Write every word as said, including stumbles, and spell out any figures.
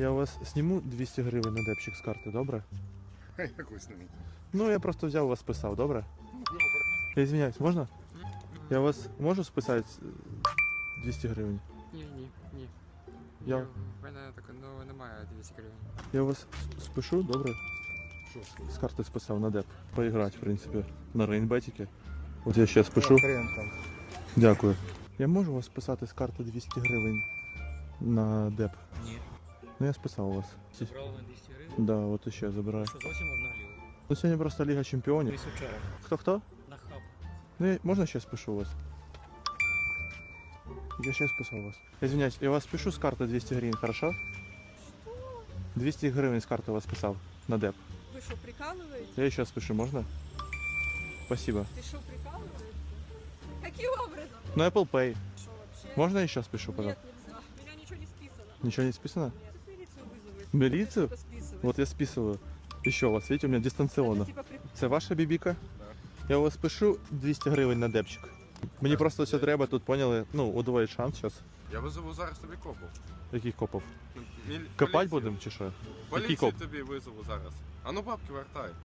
Я у вас зніму двісті гривень на депчик з карти, добре? Якусь не. Ну, я просто взяв у вас списав, добре? Я извиняюсь, можна? Я у вас можу списати двісті гривень? Ні, ні, ні. Я- Ні, в мене так, ну, немає двісті гривень. Я у вас спишу, добре? Що? З карти списав на деп. Поіграти, в принципі, на рейнбетіки. От я ще спишу. Хрен там. Дякую. Я можу у вас списати з карти двісті гривень на деп? Ні. Ну я списав у вас. Забрали на двісті гривень? Да, от іще забираю. Що зовсім одна ліва? Ну сьогодні просто Ліга Чемпіонів. Десь вчора. Хто-хто? На хаб. Ну я- можна ще спишу у вас? Я ще списав у вас. Извиняюсь, я вас спишу з карти двісті гривень, хорошо? двісті гривень з карти у вас списав на деп. Вы что, прикалываетесь? Я еще спишу, можно? Спасибо. Ты что, прикалываешься? Каким образом? Ну Apple Pay. Что вообще? Можно еще спишу, Нет, пожалуйста? нельзя. У меня ничего не списано. Ничего не списано? Нет, милицию вызовут. Милицию? Это типа списывать. Вот я списываю. Еще у вас, видите, у меня дистанционно. Это типа при... Це ваша бібіка? Я у вас пишу двісті гривень на депчик. Мені просто все треба, тут поняли, ну, удвоїть шанс зараз. Я визову зараз тобі копу. Яких копов? Міль- Копать поліцію. будемо чи що? Який Поліцію коп? тобі визову зараз. А ну бабки вертай.